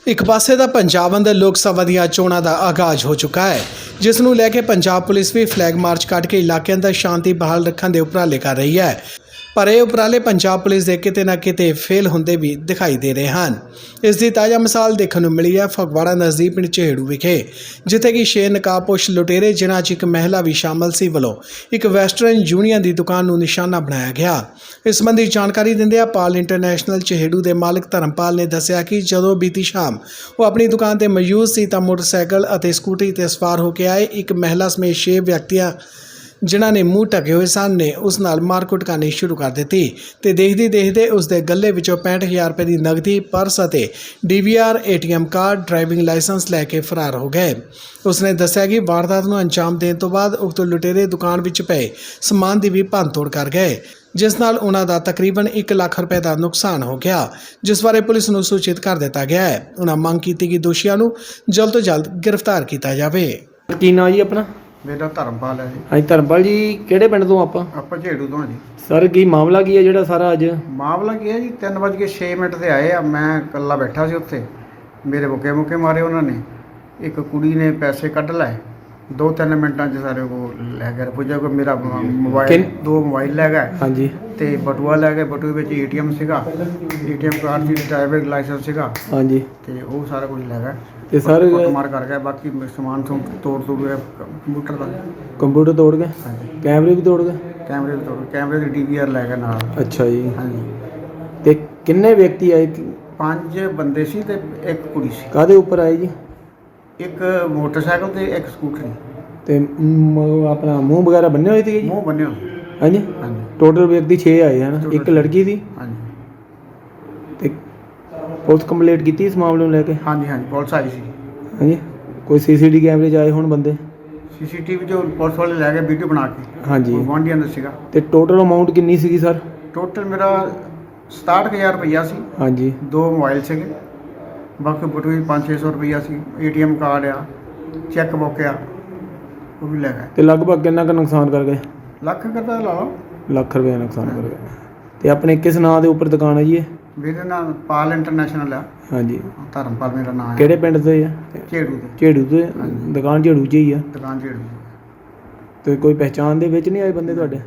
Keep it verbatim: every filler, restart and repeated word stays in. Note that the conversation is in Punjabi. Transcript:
ਇੱਕ ਪਾਸੇ ਦਾ ਪੰਜਾਬ ਅੰਦਰ ਲੋਕ ਸਭਾ ਦੀਆਂ ਚੋਣਾਂ ਦਾ ਆਗਾਜ਼ ਹੋ ਚੁੱਕਾ ਹੈ, ਜਿਸ ਨੂੰ ਲੈ ਕੇ ਪੰਜਾਬ ਪੁਲਿਸ ਵੀ ਫਲੈਗ ਮਾਰਚ ਕੱਢ ਕੇ ਇਲਾਕੇ ਅੰਦਰ ਸ਼ਾਂਤੀ ਬਹਾਲ ਰੱਖਣ ਦੇ ਉਪਰਾਲੇ ਕਰ ਰਹੀ ਹੈ। ਪਰ ਇਹ ਉਪਰਾਲੇ ਪੰਜਾਬ ਪੁਲਿਸ ਦੇ ਕਿਤੇ ਨਾ ਕਿਤੇ ਫੇਲ ਹੁੰਦੇ ਵੀ ਦਿਖਾਈ ਦੇ ਰਹੇ ਹਨ। ਇਸ ਦੀ ਤਾਜ਼ਾ ਮਿਸਾਲ ਦੇਖਣ ਨੂੰ ਮਿਲੀ ਹੈ ਫਗਵਾੜਾ ਨਜ਼ਦੀਕ ਪਿੰਡ ਚਹੇੜੂ ਵਿਖੇ, ਜਿੱਥੇ ਕਿ ਛੇ ਨਕਾਬਪੋਸ਼ ਲੁਟੇਰੇ, ਜਿਨ੍ਹਾਂ 'ਚ ਇੱਕ ਮਹਿਲਾ ਵੀ ਸ਼ਾਮਲ ਸੀ, ਵੱਲੋਂ ਇੱਕ ਵੈਸਟਰਨ ਯੂਨੀਅਨ ਦੀ ਦੁਕਾਨ ਨੂੰ ਨਿਸ਼ਾਨਾ ਬਣਾਇਆ ਗਿਆ। ਇਸ ਸੰਬੰਧੀ ਜਾਣਕਾਰੀ ਦਿੰਦਿਆਂ ਪਾਲ ਇੰਟਰਨੈਸ਼ਨਲ ਚਹੇੜੂ ਦੇ ਮਾਲਕ ਧਰਮਪਾਲ ਨੇ ਦੱਸਿਆ ਕਿ ਜਦੋਂ ਬੀਤੀ ਸ਼ਾਮ ਉਹ ਆਪਣੀ ਦੁਕਾਨ ਤੇ ਮੌਜੂਦ ਸੀ ਤਾਂ ਮੋਟਰਸਾਈਕਲ ਅਤੇ ਸਕੂਟਰੀ ਤੇ ਸਵਾਰ ਹੋ ਕੇ ਆਏ ਇੱਕ ਮਹਿਲਾ ਸਮੇਤ ਛੇ ਵਿਅਕਤੀਆਂ, ਜਿਨ੍ਹਾਂ ਨੇ ਮੂੰਹ ਢਕੇ ਹੋਏ ਸਨ, ਨੇ ਉਸ ਨਾਲ ਮਾਰਕੁੱਟ ਕਰਨੀ ਸ਼ੁਰੂ ਕਰ ਦਿੱਤੀ ਤੇ ਦੇਖਦੇ ਦੇਖਦੇ ਉਸ ਦੇ ਗੱਲੇ ਵਿੱਚੋਂ ਪੈਂਹਠ ਹਜ਼ਾਰ ਰੁਪਏ ਦੀ ਨਕਦੀ, ਪਰਸ ਅਤੇ D V R, A T M card, driving licence ਲੈ ਕੇ ਫਰਾਰ ਹੋ ਗਏ। ਉਸਨੇ ਦੱਸਿਆ ਕਿ ਵਾਰਦਾਤ ਨੂੰ ਅੰਜਾਮ ਦੇਣ ਤੋਂ ਬਾਅਦ ਉਕਤ ਲੁਟੇਰੇ ਦੁਕਾਨ ਵਿੱਚ ਪਏ ਸਮਾਨ ਦੀ ਵੀ ਭੰਨਤੋੜ ਕਰ ਗਏ, ਜਿਸ ਨਾਲ ਉਹਨਾਂ ਦਾ ਤਕਰੀਬਨ ਇੱਕ ਲੱਖ ਰੁਪਏ ਦਾ ਨੁਕਸਾਨ ਹੋ ਗਿਆ, ਜਿਸ ਬਾਰੇ ਪੁਲਿਸ ਨੂੰ ਸੂਚਿਤ ਕਰ ਦਿੱਤਾ ਗਿਆ ਹੈ। ਉਹਨਾਂ ਮੰਗ ਕੀਤੀ ਕਿ ਦੋਸ਼ੀਆਂ ਨੂੰ ਜਲਦ ਤੋਂ ਜਲਦ ਗ੍ਰਿਫਤਾਰ ਕੀਤਾ ਜਾਵੇ। ਕੀ ਨਾਂ ਜੀ ਆਪਣਾ? ਮੇਰਾ ਧਰਮਪਾਲ ਹੈ ਜੀ। ਹਾਂਜੀ ਧਰਮਪਾਲ ਜੀ, ਕਿਹੜੇ ਪਿੰਡ ਤੋਂ ਆਪਾਂ? ਆਪਾਂ ਝੇੜੂ ਤੋਂ ਹਾਂ ਜੀ। ਸਰ ਕੀ ਮਾਮਲਾ ਕੀ ਹੈ ਜਿਹੜਾ ਸਾਰਾ ਅੱਜ? ਮਾਮਲਾ ਕੀ ਹੈ ਜੀ, ਤਿੰਨ ਵੱਜ ਕੇ ਛੇ ਮਿੰਟ ਤੇ ਆਏ ਆ। ਮੈਂ ਇਕੱਲਾ ਬੈਠਾ ਸੀ ਉੱਥੇ, ਮੇਰੇ ਮੁੱਕੇ ਮੁੱਕੇ ਮਾਰੇ ਉਹਨਾਂ ਨੇ। ਇੱਕ ਕੁੜੀ ਨੇ ਪੈਸੇ ਕੱਢ ਲਏ, ਦੋ ਤਿੰਨ ਮਿੰਟਾਂ 'ਚ ਸਾਰੇ ਉਹ ਲੈ ਗਏ। ਪੁੱਜਾ ਕੋ ਮੇਰਾ ਮੋਬਾਈਲ, ਦੋ ਮੋਬਾਈਲ ਲੈ ਗਏ ਹਾਂਜੀ, ਤੇ ਬਟੂਆ ਲੈ ਗਏ। ਬਟੂਏ ਵਿੱਚ ਏ ਟੀ ਐਮ ਸੀਗਾ, ਏ ਟੀ ਐਮ ਕਾਰਡ ਸੀ, ਡਰਾਈਵਿੰਗ ਲਾਇਸੈਂਸ ਸੀਗਾ, ਹਾਂਜੀ, ਤੇ ਉਹ ਸਾਰਾ ਕੁਝ ਲੈ ਗਏ ਤੇ ਸਰ ਮਾਰ ਕਰ ਗਏ। ਬਾਕੀ ਸਮਾਨ ਤੋਂ ਤੋੜ ਤੋੜ ਗਏ, ਕੰਪਿਊਟਰ ਦਾ ਕੰਪਿਊਟਰ ਤੋੜ ਗਏ, ਹਾਂਜੀ, ਕੈਮਰੇ ਵੀ ਤੋੜ ਗਏ, ਕੈਮਰੇ ਵੀ ਤੋੜ, ਕੈਮਰੇ ਦੀ ਡੀ ਵੀ ਆਰ ਲੈ ਗਏ ਨਾਲ। ਅੱਛਾ ਜੀ। ਹਾਂਜੀ, ਤੇ ਕਿੰਨੇ ਵਿਅਕਤੀ ਆਏ? ਪੰਜ ਬੰਦੇ ਸੀ ਤੇ ਇੱਕ ਕੁੜੀ ਸੀ। ਕਾਹਦੇ ਉੱਪਰ ਆਏ ਜੀ? ਇੱਕ ਮੋਟਰਸਾਈਕਲ ਤੇ ਇੱਕ ਸਕੂਟਰੀ। ਤੇ ਮ- ਆਪਣਾ ਮੂੰਹ ਵਗੈਰਾ ਬੰਨੇ ਹੋਏ ਸੀਗੇ ਜੀ? ਮੂੰਹ ਬੰਨਿਓ। ਹਾਂਜੀ, ਹਾਂਜੀ ਟੋਟਲ ਵਿਅਕਤੀ ਛੇ ਆਏ ਹਨ, Total ਇੱਕ ਲੜਕੀ ਸੀ। ਹਾਂਜੀ ਤੇ ਪੁਲਿਸ ਕੰਪਲੀਟ ਕੀਤੀ ਇਸ ਮਾਮਲੇ ਨੂੰ ਲੈ ਕੇ? ਹਾਂਜੀ ਹਾਂਜੀ ਪੁਲਿਸ ਆਈ ਸੀ। ਹਾਂਜੀ, ਕੋਈ ਸੀ ਸੀ ਟੀ ਕੈਮਰੇ 'ਚ ਆਏ ਹੁਣ ਬੰਦੇ? ਸੀ ਸੀ ਟੀ ਵੀ ਜੋ ਪੁਲਿਸ ਵਾਲੇ ਲੈ ਗਏ ਵੀਡੀਓ ਬਣਾ ਕੇ। ਹਾਂਜੀ, ਉਹ ਗੁਆਂਢੀਆਂ ਦਾ ਸੀਗਾ। ਤੇ ਟੋਟਲ ਅਮਾਊਂਟ ਕਿੰਨੀ ਸੀਗੀ ਸਰ? ਟੋਟਲ ਮੇਰਾ ਸਤਾਹਠ ਹਜ਼ਾਰ ਰੁਪਈਆ ਸੀ। ਹਾਂਜੀ, ਦੋ ਮੋਬਾਈਲ ਸੀਗੇ, ਬਾਕੀ ਬਟੂਏ ਪੰਜ ਛੇ ਸੌ ਰੁਪਈਆ ਸੀ। ਏ ਟੀ ਐਮ ਕਾਰਡ ਆ, ਚੈੱਕ ਬੁੱਕ ਆ, ਉਹ ਵੀ ਲੈ ਗਏ। ਤੇ ਲਗਭਗ ਕਿੰਨਾ ਕੁ ਨੁਕਸਾਨ ਕਰ ਗਏ? ਲੱਖ ਕਰਦਾ ਲਾ ਲਓ। ਲੱਖ ਰੁਪਏ ਨੁਕਸਾਨ ਕਰ ਗਏ। ਤੇ ਆਪਣੇ ਕਿਸ ਨਾਂ ਦੇ ਉੱਪਰ ਦੁਕਾਨ ਹੈ ਜੀ ਇਹ? ਮੇਰੇ ਨਾਲ ਪਾਲ ਇੰਟਰਨੈਸ਼ਨਲ ਆ। ਹਾਂਜੀ, ਧਰਮਪਾਲ ਮੇਰਾ ਨਾਮ ਹੈ। ਕਿਹੜੇ ਪਿੰਡ ਤੋਂ ਆ? ਝੇੜੂ ਦੇ। ਝੇੜੂ ਤੋਂ? ਹਾਂਜੀ। ਦੁਕਾਨ ਝੇੜੂ 'ਚ ਹੀ ਆ? ਦੁਕਾਨ ਝੇੜੂ। ਤੇ ਕੋਈ ਪਹਿਚਾਣ ਦੇ ਵਿੱਚ ਨਹੀਂ ਆਏ ਬੰਦੇ ਤੁਹਾਡੇ?